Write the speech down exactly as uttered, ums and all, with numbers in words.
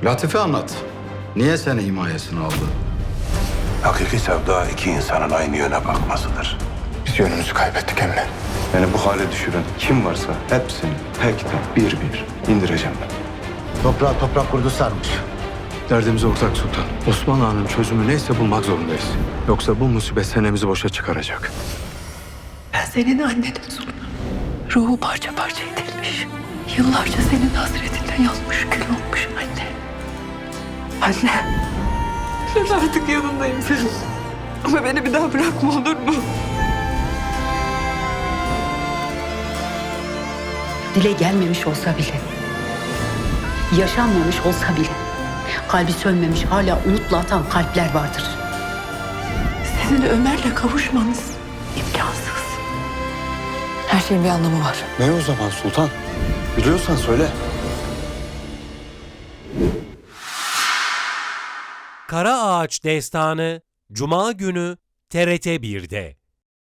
Latife anlat. Niye seni himayesine aldı? Hakiki sevda iki insanın aynı yöne bakmasıdır. Biz yönümüzü kaybettik emmi. Beni bu hale düşüren kim varsa hepsini tek tek bir bir indireceğim ben. Toprağa toprak kurdu sarmış. Derdimiz ortak sultan. Osman Ağa'nın çözümü neyse bulmak zorundayız. Yoksa bu musibet senemizi boşa çıkaracak. Ben senin annenim Sultan. Ruhu parça parça edilmiş. Yıllarca senin hasretinden yanmış, kül olmuş anne. Anne. Ben artık yanındayım senin. Ama beni bir daha bırakma, olur mu? Dile gelmemiş olsa bile, yaşanmamış olsa bile, kalbi sönmemiş hala umutla atan kalpler vardır. Sizin Ömer'le kavuşmanız imkansız. Her şeyin bir anlamı var. Ne o zaman sultan? Biliyorsan söyle. Kara Ağaç Destanı Cuma günü T R T bir'de.